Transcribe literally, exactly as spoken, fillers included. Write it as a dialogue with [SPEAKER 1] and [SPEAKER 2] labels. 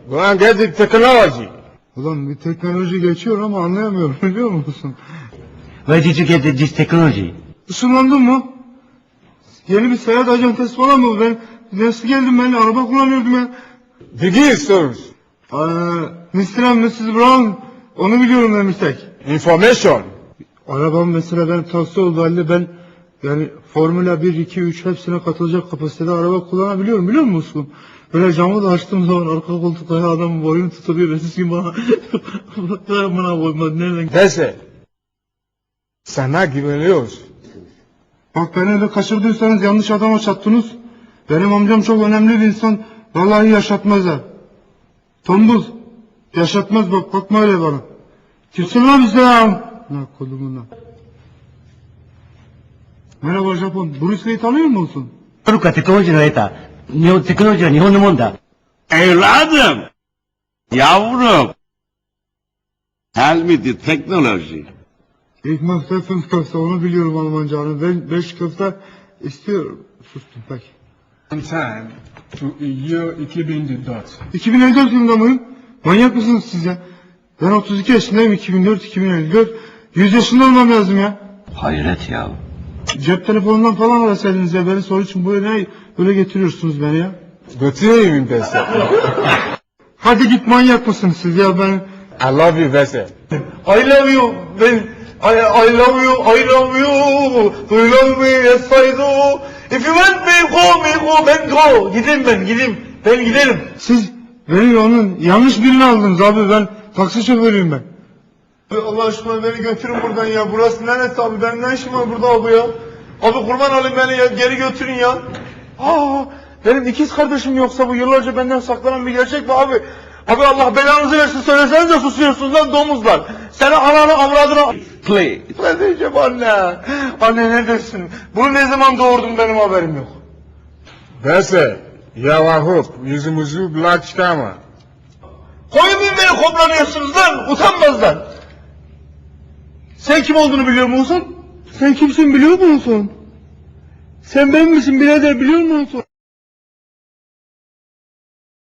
[SPEAKER 1] Go and get the technology.
[SPEAKER 2] Ulan bir teknoloji geçiyor ama anlayamıyorum biliyor musun?
[SPEAKER 3] Where did you get the- this technology?
[SPEAKER 2] Işınlandın mı? Yeni bir seyahat acentesi falan mı? Ben nasıl geldim ben araba kullanıyordum ya.
[SPEAKER 1] Begin source.
[SPEAKER 2] Ee, mister and missus Brown onu biliyorum ben bir tek.
[SPEAKER 1] Information.
[SPEAKER 2] Arabam mesela ben taksi oldu halde ben yani Formula bir, iki, üç hepsine katılacak kapasitede araba kullanabiliyorum biliyor musun? Böyle camı da açtığım zaman arka koltukta adamın boyunu tutuluyor ve siz gibi bana bana koymadı nereden?
[SPEAKER 1] Neyse. Sana güveniyoruz.
[SPEAKER 2] Bak beni öyle kaçırdıysanız yanlış adama çattınız. Benim amcam çok önemli bir insan. Vallahi yaşatmaz ha. Tombul. Yaşatmaz bak bakma öyle bana. Kimsin lan bize ya? Ne kolumuna. Merhaba Japon. Bruce Lee'yi tanıyor musun?
[SPEAKER 3] トルコはテクノロジーの得た、日本、テクノロジーは日本のもんだ。
[SPEAKER 4] Evladım, yavrum, tell me the technology.
[SPEAKER 2] İlk köfte fünf köfte onu biliyorum Almanca. Hani ben beş köfte istiyorum. Sustum peki.
[SPEAKER 5] On time to year iki bin dört.
[SPEAKER 2] iki bin elli dört yılında mıyım? Manyak mısınız siz ya? Ben otuz iki yaşındayım iki bin dört iki bin elli dört. yüz yaşında olmam lazım ya.
[SPEAKER 3] Hayret ya.
[SPEAKER 2] Cep telefonundan falan arasaydınız ya beni soru için buraya ne böyle getiriyorsunuz beni ya?
[SPEAKER 1] Götüreyim mi Bese?
[SPEAKER 2] Hadi git manyak mısınız siz ya ben...
[SPEAKER 1] I love you Bese.
[SPEAKER 2] I love you ben... I, I love you, I love you. Do you love me? Yes I do. If you want me, go me, go, ben go. Gideyim ben, gideyim. Ben giderim. Siz beni onun yanlış birini aldınız abi. Ben taksi şoförüyüm ben. Abi Allah aşkına beni götürün buradan ya. Burası neresi abi? Benim ne işim var burada abi ya? Abi kurban olayım beni ya. Geri götürün ya. Aa, benim ikiz kardeşim yoksa bu yıllarca benden saklanan bir gerçek mi abi? Abi Allah belanızı versin söylesenize susuyorsunuz lan domuzlar. Seni ananı avradını...
[SPEAKER 4] Play.
[SPEAKER 2] Ne diyeceğim anne? Anne neredesin? Bunu ne zaman doğurdun benim haberim yok.
[SPEAKER 1] Bese. Yava hope. Yüzümüzü black çıkarma.
[SPEAKER 2] Koyun bin beni koplanıyorsunuz lan utanmazlar. Sen kim olduğunu biliyor musun? Sen kimsin biliyor musun? Sen ben misin birader biliyor musun?